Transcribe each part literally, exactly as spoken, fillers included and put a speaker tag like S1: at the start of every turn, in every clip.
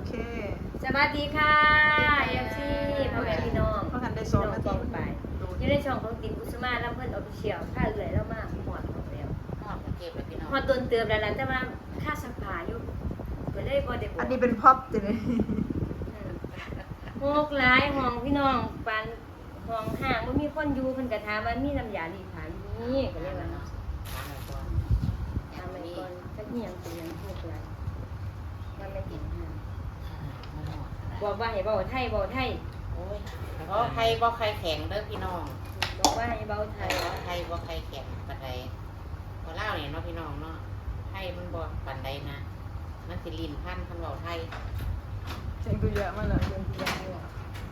S1: เค
S2: สวัสดีค่ะเอฟซีพ่อแม่พี่น้อง
S1: เพราะกันได้ส
S2: พี่
S1: อง
S2: น้อง
S1: นา
S2: ฟ
S1: ที
S2: องไปอยู่ในช่องของตินกุสมาแล้วเพิ่นออฟฟิเชียลค่าเอื่อยแล้วมากหอดของแล้ว
S3: หอดกรุงเทพแล้วพี่น้อง
S2: หอดต้นเติมแล้วล่ะแต่ว่าค่าสักผ้าอยู่ก็เลยบ่ได้บอก
S1: อันนี้เป็นพ็อปจ้ะเนี่ย
S2: อืมโฮกหลายห้องพี่น้องปานห้องห้างบ่มีคนอยู่เพิ่นก็ถามว่ามีน้ำยารีดผ้าอยู่นี่ก็เลยว่า
S3: ถามหน่อยก่อนอ
S2: ถา
S3: ย่าม ง
S2: ไป
S3: นี้
S2: ก่อนจักอีหยังเป็นหยังโฮกหลายมันไม่กินห้าง
S3: มันหอดอะไร
S2: บอกว่าให้เว้าไทยเว้าไทย
S3: โอ้ยเพราะใครบ่ใครแข็งเด้อพี่น้อง
S2: บอกว่าให้เว้าไท
S3: ใคร
S2: ย
S3: บ่ใครบ่ใครแข็งปานใดพอเล่าเนี่ยเนาะพี่น้องเนาะไทยมันบ่ปานใดนะมันสิลิ้นพันคันเว้าไทย
S1: เสียงตัวเยอะมากเลยเสียงตัวเยอะมาก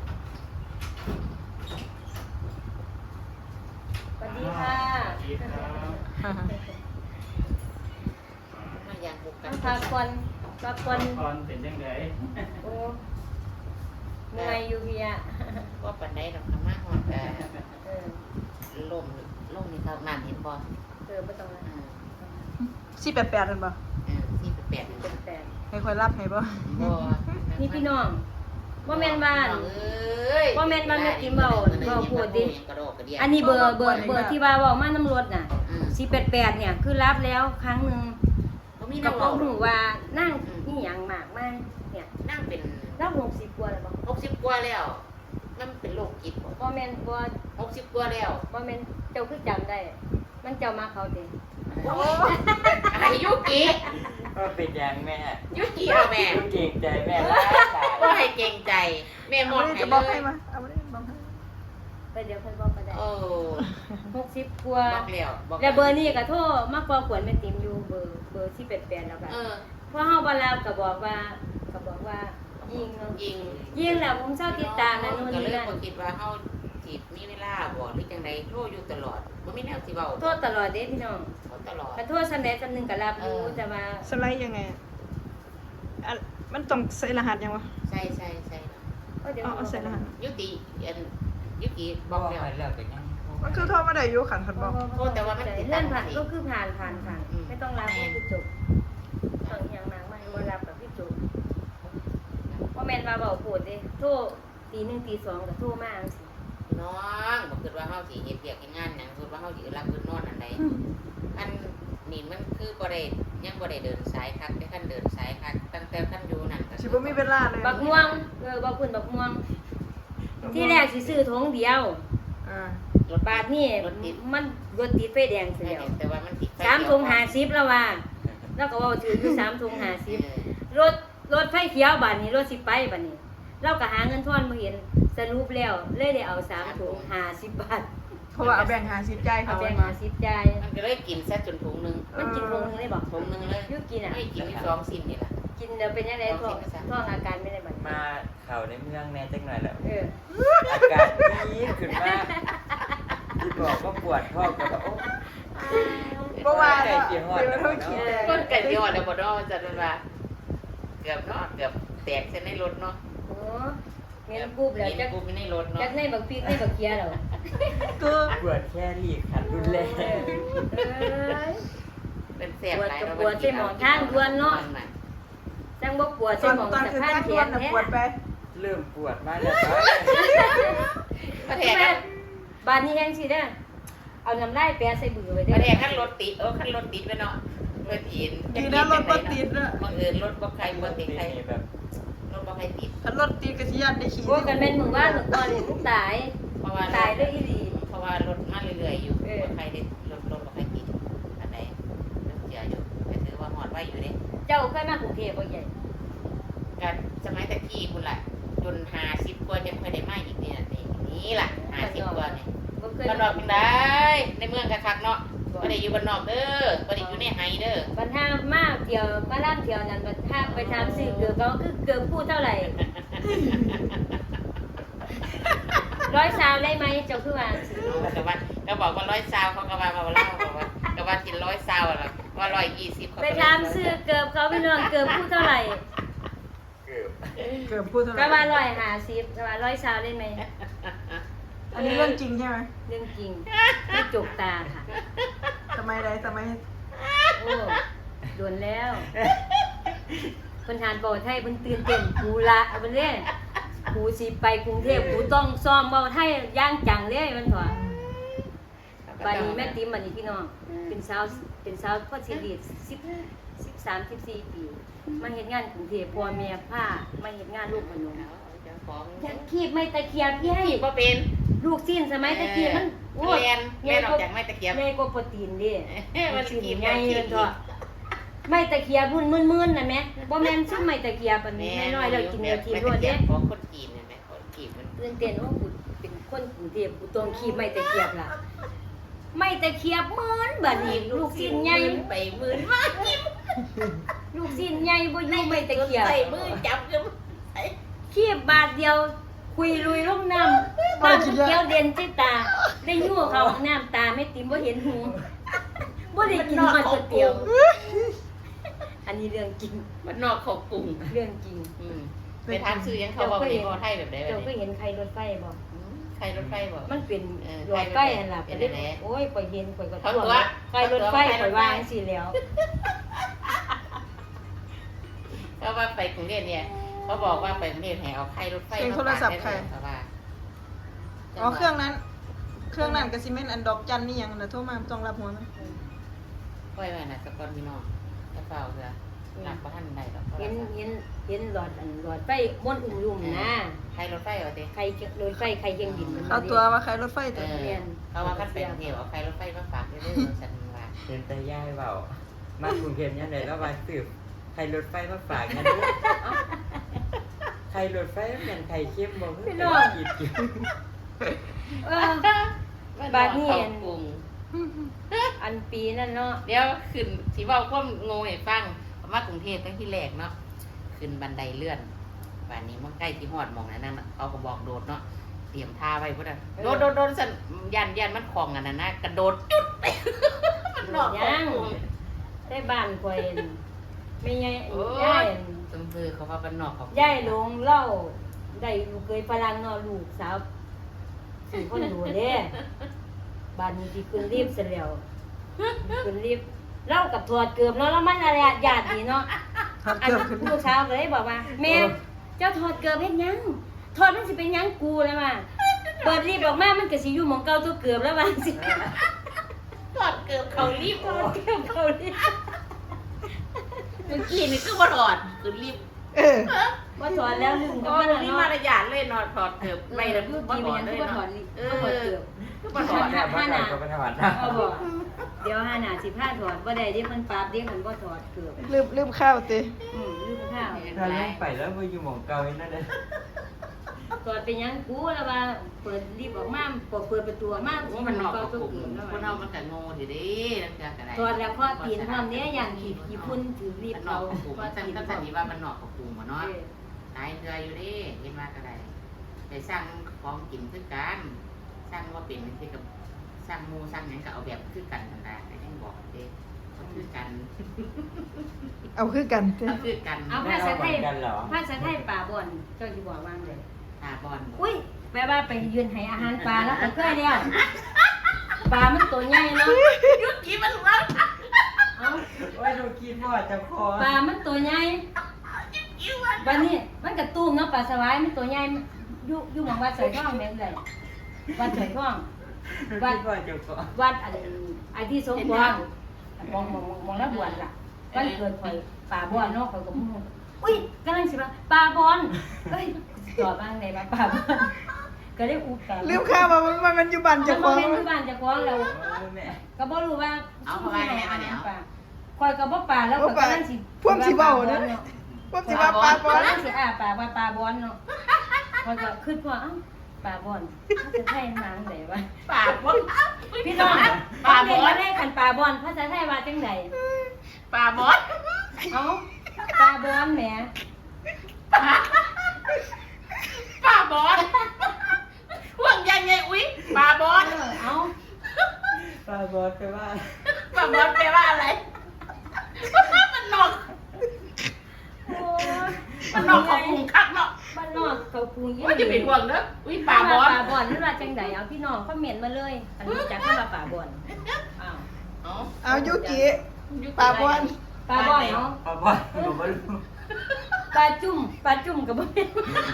S2: สวัสดีค่ะ
S3: มาอย่างบุกกั
S2: ต้อน งพักผ่อนพักผ่อน
S4: ตอนเป็นยังไง
S2: โอ้เมื่อยอยู่เพีย
S3: บ่ปานใดดอกค่ะมาฮอดแต่
S2: เออ
S3: ลมลมนี่เท่านั้นเห็นบ่
S2: เออไม่ต้องละ
S3: อ่า
S1: สี่แปดแปดนั่นปะ
S3: อ่าสี่แปด
S2: เป็นแฟน
S1: ให้คอยรับให้ปะ
S3: บ่
S2: นี่พี่น้องว่าแม่นบ้าน
S3: เอ้ย
S2: บ่แม่นบ้านแม่ติ๋มเว้าเว้าพูดดิ
S3: กระโดดกระเดีย
S2: อันนี้เบอร์เบอร์เบอร์ที่ว่าเว้ามาน้ำรถน่ะ
S3: อืม
S2: สี่แปดแปดเนี่ยคือรับแล้วครั้งหนึง
S3: บ่มี
S2: กั
S3: น้
S2: บ
S3: อง
S2: พ่อ
S3: เว้า
S2: หูว่านั่งนี่หยังมากมากเนี่ย
S3: นั่งเป็น
S2: รับหกสิบกว่าแล้วบ่
S3: หกสิบกว่าแล้วมันเป็นโรคจิตบ่
S2: บ่แม่นบ่
S3: หกสิบกว่าแล้ว
S2: บ่แม่นเจ้าคือจำได้ มันเจ้ามาเขาเด้
S3: โอ้อะไรยุกิ
S4: ก็เป็นอย่างแม่
S3: ยุกิเอาแม่
S4: เก่งใจแม่ร้ายหลาย
S3: ก็ให้เกรงใจ แม่หม
S1: เอา
S3: ด
S1: ไม่
S3: ให้
S1: จะ
S3: เล
S1: บอกให้
S3: ย
S1: มาเอาไม่ได้บอกให้
S2: ไปเดี๋ยวเพิ่นบอกก็ได้
S3: โอ้
S2: หกสิบกว่า
S3: บอกแล้วบอก
S2: แล้วเบอร์นี้ก็โทรมาพอขวนแม่ติ๋มอยู่เบอร์เบอร์ที่แปดๆแล้วก็
S3: เออ
S2: พอเฮาบ่รับก็บอกว่าก็บอกว่ายิงเนาะ
S3: ยิง
S2: ยิงแล้วผมเศร้าติดตามนะนู่น
S3: ก็
S2: นี่
S3: เลย
S2: นั่น
S3: บ่คิดว่าเฮาสิมีเวลาบ่หรือจังไดโทรอยู่ตลอดบ่มีแนวสิเว้า
S2: โทษตลอดเด้พี่น้อง
S3: โทรตลอด
S2: ก็โทษสำเร็จสำนึงก็รับอยู่
S3: เออ
S2: แต่ว่า
S1: สไลด์ยังไงอ่ะมันต้องใส่รหัสยังวะ
S3: ใช่ใช่ใช่
S2: ก็เดี๋ยว
S1: เอาเอาใส่รหัส
S3: ยุติอันยุกิบบ อ
S4: อก ก
S3: แล้ว
S4: ให้เลิกกันยัง
S1: มันคือโทรมาได้อยู่ขันขันบอก
S3: โทษแต่ว่ามันติด
S2: เลื่อนผ่าน
S3: ตาม
S2: ก็คือผ่านผ่านผ่าน
S3: อืม
S2: ไม่ต้องรับก็คือจบต้องอย่างมากไม่บ่รับกับพี่จบเพราะแม่นว่าเว้าโพดเด้โทรตีหนึ่งตีสองก็โทรมาจังซี่
S3: น้องบ่คิดว่าเฮาสิเฮ็ดเวียกเฮ็ดงานหยังคิดว่าเฮาสิรับคืนนอนอันใดอันนี่มันคือบ่ได้ยังบ่ได้เดินสายคักแต่คันเดินสายคักตั้งแต่คันอยู่นั่นก็
S1: สิบ่มีเวลาเลย
S2: บักม่วงเออบักพุ่นบักม่วง ที่แรกสิซื้อถุงเดียว
S1: อ่า
S3: รถ
S2: บาทนี่
S3: รถติด
S2: มันรถติดไฟแดงเสียว
S3: แต่ว่ามันติดไฟ
S2: สามถุงห้าสิบแล้วว่าแล้วก็เว่าถืออยู่สามถุงห้าสิบ
S3: เออ
S2: รถรถไฟเขียวบาทนี้รถสิไปบาทนี้เราก็หาเงินทอนมาเห็นสรุปแล้วเลยได้เอาสามถุงห้าสิบบาท
S1: เพราะว่าเอาแบ่งหาสิบใจ
S2: เอา
S1: เขา
S2: แบ่ง
S1: มา
S2: ห้าสิบจ่าย
S3: มันก็เลยกินซะจนถุงหนึง
S2: มันกินถุงนึงได้บอก
S3: ถุงหนึงเลย
S2: ยุกินอ่ะ
S3: ไม่กินมีสองสิ้นนี่ล่ะ
S2: กินเดี๋ยวเป็นยังไงท้องท้องอาการไม่ได้บัด
S4: มาเข่าในเมืองแน่จังหน่อยแล้ว
S2: เออ
S4: อากาศดีขึ้นมากที่บอกก็ปวดท้องก็แบบโอ้
S1: เพราะว่า
S4: ไก่เกี่ยวหอด
S1: เดี๋ยวเราคิดแต่
S3: ก้นไก่ยอดแล้วบ่เนาะจัดมันว่าเกือบเนาะเกือบแตกเส้นในรถเนาะ
S2: โอ้เมียนกูบแล้ว
S3: กิน
S2: จัก
S3: กูไม่ในรถเนาะ
S2: จักในบักพริกในบักเคียแล้ว
S1: คือ
S4: ปวดแค่รีบขัดรุนแรง
S2: เอ้ย
S3: เป็นแสบหลาย
S2: ปวดกับปวดใส่หมอนข้างดวนเนาะ จังบ่ปวด
S1: ต
S2: ใส่
S1: อน
S2: หมอง
S1: ตอน
S2: สะ
S1: คือ
S2: พาน
S1: การ
S2: แข
S1: ทวน
S2: น
S1: น่ะ
S2: แท้
S1: ปวดไป
S4: เริ่มปวดมาแล้วครับ
S3: ประเทศ
S2: แม่
S3: กัน
S2: บานนี้แห้งสิเด้อเอาน้ำลายแปะใส่บือไว้
S3: ป
S2: เด้
S3: ระเทศขั้นรถติดเออขั้นรถติดไปเนาะเพื่อทีน
S1: ดีนะรถบ่ติดนะ
S3: บังเอิญรถบ่ใครบ่ติดใคร
S4: แบบ
S3: รถบ่ใครติด
S1: ถ้ารถตีกระเทียมได้ขี่
S2: โอ้กันแม่นมึงว่าถึงตอนนี้มึงตาย
S3: เพราะว่า
S2: ตายด้วยอีหลี
S3: เพราะว่ารถมาเรื่อยๆอยู่
S2: เออ
S3: บ่ใครได้รถรถบ่ใครติดอันไหนรถเสียอยู่แต่ถือว่าหอดไว้อยู่เด้
S2: เจ้าเคยมากรุงเทพบ่ใหญ่
S3: กันสมัยตะกี้พุ่นล่ะจนห้าสิบกว่าจะค่อยได้มาอีกนี่น่ะนี่นี่ล่ะห้าสิบกว่านี่
S2: บ่เคย
S3: บ้านนอกจังไดในเมืองคักๆเนาะบ่ได้อยู่บ้านนอกเด้อบ่ได้อยู่ในไห้เด้อ
S2: บัดห้ามมาเที่ยวมาล่ำเที่ยวนั้นบัดห้ามไปทำซื้อเกือบก็คือเกือบพูดเท่าไหร่ร้อยสาวได้ไหมเจ้าคือว่าสิ
S3: แต่ว่าก็บอกว่าร้อยซาวเขาก็ว่าว่าเล่าบอกว่าก็ว่ากินร้อยซาวอ่ะว่าร้อยยี่สิบเขา
S2: ไปทำซื้อเกือบเขาพี่น้องเกือบพูดเท่าไหร่
S4: เกือบ
S1: เกือบพูดเท่าไห
S2: ก็ว่า
S1: ร่
S2: ร้อยห้าสิบก็ว่าร้อยสาวได้ไหม
S1: อันนี้เรื่องจริงใช่ไหม
S2: เรื่องจริงไม่จกตาค่ะ
S1: ทำไมไรทำไม
S2: โอ้โดนแล้วเพิ่นหานเว้าไทยเพิ่นตื่นเต้นกูละเอาเพิ่นเด้กูสิไปกรุงเทพกูต้องซ้อมเว้าไทยอย่างจังเลยมันว่าบัดนี้แม่ติ๋มบัดนี้พี่น้องเป็นสาวเป็นสาวพอสิดีสิบ สิบสาม สิบสี่ปีมาเฮ็ดงานกรุงเทพพ่อแม่พามาเฮ็ดงานลูกขนม
S3: เจ้าของ
S2: อยากคีบไม่ตะเคียบพี่ให้
S3: ขีบบ่เป็น
S2: ลูกสิ้นสมัยตะเกียบมัน
S3: โอ้ยแม่นออกจากไม้ตะเกียบ
S2: ใหญ่กว่าโปรตีนเดิ
S3: มัน
S2: สิ้น
S3: ขีบ
S2: ใหญ่
S3: ขี
S2: เลย
S3: บ
S2: เถอะไม่ตะเคียบรุ่นมึนๆน่ะแม่บ่แม่นซุมไม่ตะเคียบอันนี้น้อยๆแล้วกินแล้วกินรวดเด้
S3: ของคนจีนเห็นไหมคนจีนมัน
S2: ตื่นเต้นว่ากูเป็นคนกรุงเทพกูต้องคีบไม่ตะเคียบล่ะไม่ตะเคียบเหมือนบัดนี้ลูกสิ้นใหญ่
S3: ไปหมื่นมาก
S2: ลูกสิ้นใหญ่บ่อยู่ไม่ตะเคียบ
S3: ใส่มือจับกันใส่
S2: คีบบาทเดียวคุยลุยลงน้ำน้ำเกี้ยวเด่นจิตาได้ยั่วเขาน้ำตาไม่ติมบ่เห็นหูบ่ได้กินมาก๋วยเตี๋ยว อันนี้เรื่องจริง
S3: มันนอกของกลุ่ม
S2: เรื่องจริง
S3: อืมไปทานซื้อยังเขาบอกมีพอไทยแบบไหนแบบ
S2: เจ้าก็
S3: นี้
S2: เห็นใครรถไฟบ่
S3: ใครรถไฟบอก
S2: มันเป็น
S3: เออ
S2: รถไฟหั่นล่ะ
S3: เป็น
S2: ไป
S3: อะไร
S2: โอ้ยข่อยเห็นข่อยก็
S3: เขา
S2: ท่ว
S3: ตั
S2: ง
S3: ว
S2: ใครรถไฟข่อยวางสิแล้ว
S3: เพราะว่าไปกรุงเทพเนี่ยเขาบอกว่าไปกรุงเทพแห่เอาใครรถไฟ
S5: เสียงโทรศัพท์ใคร
S3: เพราะว่า
S5: อ๋อเครื่องนั้น เครื่องนั้นก็สิแม่นอันดอกจันนี่หยังน่ะโทรมาบ่ต้องรับหัวมัน
S3: ค่อยไว้นะสกอนพี่น้องจะเปล่าเถอะหลักประทันใดดอก
S2: เห็นเห็นเห็นหลอดอันหลอดไฟม้วนอุ้มลุ่มนะ
S3: ใครรถไฟเอาติ
S2: ใครรถไฟใครเคียงบินมัน
S5: เอาตัวว่าใครรถไฟ
S3: เอ
S5: ตัว
S3: อเขาว่าคันไปกรุงเทพเอาใครรถไฟมาฝากเรื่อยๆฉันว่า
S4: เป็นตาย่ายเปล่ามากรุงเทพยังไงแล้วมาสืบใครรถไฟมาฝากกันด้วยเอ้าใครรถไฟมันเป็นใครเข้มบ่เพิ่งไปกินกิน
S2: เออ บาดนี้
S3: เขากรุง
S2: อันปีนั่นเนาะ
S3: เดี๋ยวขึ้นสิเว้าความโง่ให้ฟังมากรุงเทพตั้งที่แรกเนาะขึ้นบันไดเลื่อนบ้านนี้มันใกล้ที่ฮอดหมองนั้นน่ะเขาก็บอกโดดเนาะเตรียมท่าไว้พุ่นน่ะโดดโดดโดดสั่นยันยันมันคลองกันน่ะนะกระโดดจุดมันนอกของกรุง
S2: ได้บ้านข่อยไม่ใหญ่
S3: โอ้
S2: ย่าย
S3: ยจำคือเขาว่าบ้านนอกของ
S2: ย่ายลงเล่าได้ลูกเคยฝรั่งเนาะลูกสาวสี่คนดูเด้บ้านนี้ที่ขึ้นรีบเสร็จแล้วขึ้นรีบเล่ากับถอดเกือบเนาะแล้วมันอะไรญาตินี่เนาะ
S5: หัด
S2: อัน
S5: เกือบขึ้น
S2: ลูกสาวเลยบอกว่าแม่เจ้าถอดเกือบเฮ็ดหยังถอดมันสิเป็นหยังกูแล้วมาเปิดรีบออกมามันก็สิอยู่หม่องเก่าตัวเกือบแล้วว่าสิ
S3: กอดเกือบเขารีบ
S2: ถอดเกือบเขารีบ
S3: เมื่อกี้นี่คือบ่ถอดคือรีบ
S5: เออ
S2: ว่าถอดแล้วลืมกับ
S3: โอ้
S2: มัน
S3: ย
S2: แล้ว
S3: นี่
S2: เนาะ
S3: มารยาทเลยนอนถอดเกือบไม่ละ
S2: เมื่อ
S3: บ่
S2: กี้
S3: ถ
S2: มั
S3: อน ด
S2: ยัง
S3: เลย
S2: คือว่าถอ
S3: เนาะ
S2: ดลิ
S3: เอ
S2: ก็ถอด
S3: อ
S2: เกือบ
S3: คือบ่ถอด
S4: ถ้าบ้านเราก็ไปถอดนะ
S2: เอาบอกเดี๋ยวห้าหนาสิบห้าถอดบ่ได้เดี๋ยวมันปราบเดี๋ยวมันบ่ถอดเกือบ
S5: ลืมลืมข้าวติ
S2: อืมลืมข้าว
S4: ถ้าเล่นไปแล้วมาอยู่หมองเก่าอีกนั่นเลย
S2: ถอดเป็นหยังกูแล้วว่าเปิดรีบออกมาเปิดเปิดประตูออกมา
S3: โอ้
S2: สิ
S3: มันนอก
S2: ก็
S3: กับ
S2: ตัว
S3: กลุ่ม
S2: เกือบแล้ว
S3: คนเฮามันก็โง่ทีเด้นั่นคืออะไร
S2: ถอดแล้วข้อตีนพร้อมเนี้ยอย่างขี่ขี่พุ่นถือรีบ
S3: มันนอ
S2: เอา
S3: กกับกลุ่ม
S2: ข้อ
S3: ฉัน
S2: ตีน
S3: ก็
S2: พร้
S3: สั
S2: อน ม
S3: นิว่ามันนอกกับกลุ่มบ่เนาะ
S2: เออ
S3: ตายเรืออยู่เด้เห็นว่าก็ได้ไปสร้างของกินคือกันสร้างว่าเป็นคือกับสร้างหมู่สร้างหยังก็เอาแบบคือกันนั่นแหละก็ยังบอกเด้ก็คือกัน
S5: เอาคือกันติ
S3: ก็คือกัน
S2: เอา
S4: แม่
S2: ภาษา
S4: เราเห
S2: ไท
S4: มื
S2: ย
S4: อนกันเหรอ
S2: ภาษาไทยป่าบ่อนเจ้าสิบอกว่าไง
S3: ตาบอล
S2: อุ้ยแปลว่าไปยืนให้อาหารปลาแล้วก็เคยแล้วปลามันตัวใหญ่เนาะ
S3: ยุกี้มันว่า
S2: เอ้า
S4: ว่าดูคิดว่าจะคอ
S2: ปลามันตัวใหญ่
S3: กิ้วว่า
S2: วันนี้มันกระตุ้มเนาะปลาสวายมันตัวใหญ่อยู่อยู่หมองวัดสายทองแม่นเลยวัดสายทอง
S4: ดูคิดว่าจะคอ
S2: วัดอันไอ้ที่สมพรมองมองมองแล้วบวชล่ะวันเกิดข่อยป่าบอนเนาะข่อยก็มูอุ้ยกำลังสิว่าป่าบอนเอ้ยตอบบ้างได้ว่าป่าบอนก็ได้อุกา
S5: ลืมข้าวว่ามันมันมันอยู่บ้าน
S2: จะ
S5: เจ้า
S2: ข
S5: ข
S2: อ
S5: อง ง
S2: เป็นที่บ้านเจะของเรา
S4: เออแม่
S2: ก็บ่รู้ว่า
S3: เอาเข้าไปแม่มาเนี่ย
S2: ป่าข่อยก็บ่ป่าแล้วข่อยกำลังสิ
S5: พวกสิเว้าเด้อพวกสิว่าปลาบอล
S2: กำลังสิอ่าป่าว่าป่าบอนเนาะข่อยก็คิดว่าเอ้าป่าบอนภาษาไทยนางไดวะ
S3: ปากบอล
S2: พี่น้อง
S3: ปลาบอ
S2: เรีย
S3: ล
S2: นได้คันป่าบอนภาษาไทยว่าจังได
S3: ปลาบอล
S2: เอ้าป่าบอนแหม
S3: ปลาบอลพวกยังไงอุ้ยปลาบอล
S2: เออเอ้า
S4: ปลาบอสไปว่า
S3: ปลาบอลแปลว่าอะไรมันนอก
S2: โอ้ย
S3: มันนอกของกรุงคักเนาะ
S2: บ้านนอกเขาปรุงยี่
S3: ว่าจะเป็นห่วงเด้ออุ้ยปลาบอล
S2: ป่าบอนนั่นว่าจังไดเอาพี่น้องคอมเมนต์มาเลยอันนี้จักเข้ามาป่าบอนอ้าว
S3: เอา
S5: เอายุกิปลาบอล
S2: ป่าบอนเนาะ
S4: ปลาบอสหนูไม่รู้
S2: ปลาจุ่มปลาจุ่มกับบ่เป็น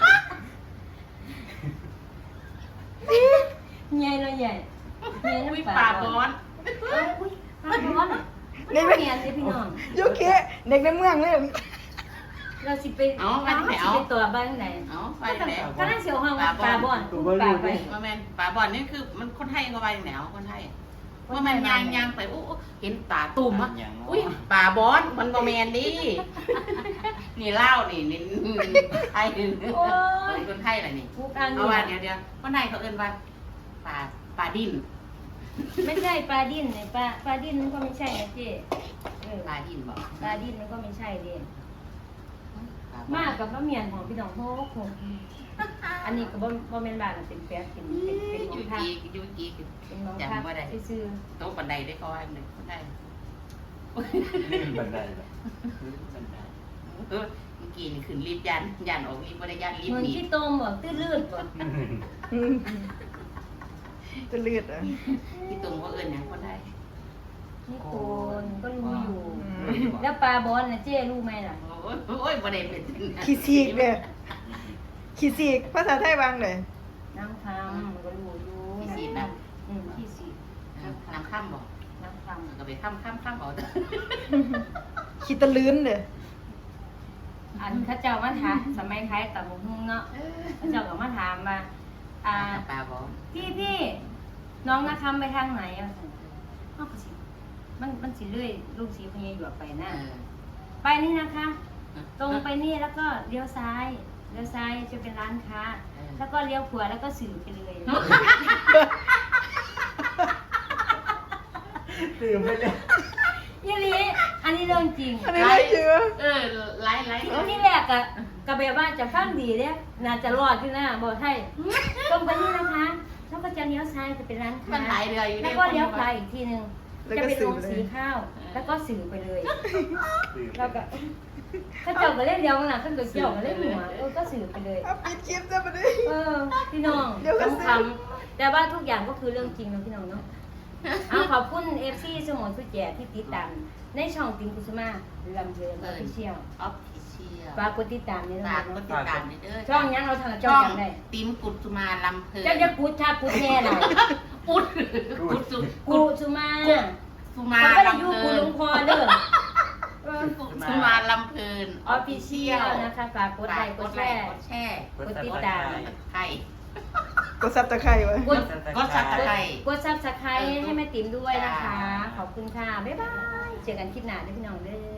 S2: ใหญ่เลยใหญ่ใหญ่
S3: อุ้ย
S2: น้ำ
S3: ปลาบอน
S2: เอ้าอุ้ยปลาบอนนี่ไม่เมียนเลยพี่น้อง
S5: โยเคเด็กในเมืองเลย
S2: เราสิไป
S3: เอาไปไหน
S2: สิ
S3: เอา
S2: ไปตัวบ้านไหน
S3: เอาไปไหน
S2: ก็น่าเสียวห้องว่าปลาบอนปลาไป
S3: มาแมนปลาบอนนี่คือมันคนไทยก็ไปแนวคนไทยว่ามันยางยางไปอู้เห็นปลาตุ่มอ่ะอุ้ยปลาบอนมันบ่แมนดินี่เล่านี่นี่ไทย
S2: โอ้ย
S3: คนไทยอะไรนี่
S2: พวกอัน
S3: เอา
S2: นี้
S3: ว่าเดี๋ยวเดี๋ยวคนไทยเขาเอิ้นว่าปลาปลาดิ้น
S2: ไม่ใช่ปลาดิ้นเนี่ยปลาปลาดิ้นมันก็ไม่ใช่นะเจ๊เออ
S3: ปลาดิ้นบอก
S2: ปลาดิ้นมันก็ไม่ใช่เด้มากกับมะเมียนของพี่น้องโฮกหกอันนี้ก็บ่บ่แม่นบ้านเป็นแป๊บเป็นเป็นเป็นขอ
S3: ยู
S2: งพัก
S3: จียูจี
S2: เป็นของพักซื่อ
S3: โต๊ะบันไดได้เขาว่าหนึ่งคนไทย
S4: ลื่นบันไดเหรอลื่นบันได
S3: เออเมื่อกี้นี่ขึ้นรีบยันยันออกรีบบ่ได้ยันรี
S2: ๆ
S3: บ
S2: เหมือน
S3: หนี
S2: ที่โตมบ่ตื้อลืดบ่
S5: อืมจะเลือดอ่ะ
S3: ที่ตรงว่าเอิญนะคนไทย
S2: นี่โตนก็รู้อยู่
S5: อืม
S2: แล้วปลาบอนน่ะเจ๊รู้ไหมล่ะ
S3: โอ้ยโอ้ยบ่ได้เป็น
S5: ขี้ซีกเนี่ยขี้ซีกภาษาไทยวางเลย
S2: น้ำคำมันก็รู้อยู่
S3: ขี้สีนะ
S2: อืมขี้สี
S3: น้ำข้ามบอก
S2: น้ำคำ
S3: ก็ไปข้ามข้ามข้ามเอา
S5: ขี้ตะลื้นเลย
S2: อันเข้าเจ้ามาถามสมัยคล้ายกับหมุงเนาะเข้าเจ้าก็มาถามว่าอ่า
S3: ปลาบอก
S2: พี่พี่น้องนะคำไปทางไหนอ่ะอ้าวก็สิมันมันสิเลื่อยลูกสีพญาหยวกไปนะ ไปนี่นะคะ ตรงไปนี่แล้วก็เลี้ยวซ้ายเลี้ยวซ้ายจะเป็นร้านค้า แล้วก็เลี้ยวขวาแล้วก็สื่อไปเลย
S4: ตื่นไปเลย
S2: ยี่ลีอันนี้เรื่องจริง
S5: อันนี้ไม่เชื่อ
S3: เออไล่ไล่
S2: ที่แรกอะกะแบบว่าจะฟังดีเนี่ยน่าจะรอดขึ้นหน้าบอกให้ตรงไปนี่นะคะแล้วก็จะเลี้ยวซ้ายจะเป็นร้านค้า
S3: มันหลายเรืออยู่
S2: แล้วก็เลี้ยวขวาอีกทีหนึ่งจะเป็นโรงสีข้าว แล้วก็สื่อไปเลย แล้วก็ถ้าเจ้าก็เล่นเดียวกันนะถ้าเกิดเจ้าก็เล่นหัวเออก็สื่อไปเลย
S5: เอาปิดคลิปจะมาดิ
S2: เออพี่น้อง
S5: เดี๋ยวก็
S2: ต้อง
S5: ซื้อ
S2: ทำแต่ว่าทุกอย่างก็คือเรื่องจริงนะพี่น้องเนาะเอาขอบคุณเอฟซีสมองสุดแย่ที่ติดตามในช่องติมกุสมาลำเพลินออฟฟิเชียล
S3: ออฟฟิเชียล
S2: ฝากกดติดตามนี่
S3: ฝา
S2: นะ
S3: กกด
S2: เนาะ
S3: ติดตามนี่เด้อ
S2: ช่องยังเราทางช่
S3: ช่
S2: อ
S3: อง ง
S2: จำได้
S3: ติมกุดสุมาลำเพลิน
S2: เจ้าจะกูดชากูดแน่หน่อย
S3: กุดกุดสุ
S2: กูสุมา
S3: สุมา
S2: มันก็ได้
S3: ลำ
S2: ยู
S3: เพ
S2: กู
S3: ลิ
S2: หล
S3: น
S2: วงพ่อเด้อ
S3: กุดสุมาลำเพลิน
S2: ออฟฟิเชียลนะคะฝากกดไลค์กดแชร์
S3: กดแชร์
S2: กดติดตาม
S3: ไข่
S5: กดซับตะไคร้ไว้
S2: กด
S3: กดซับสไคร
S2: กดซับสไครต์ให้แม่ติ๋มด้วยนะคะ ขอบคุณค่ะ บ๊ายบาย เจอกันคลิปหน้าด้วยพี่น้องเด้อ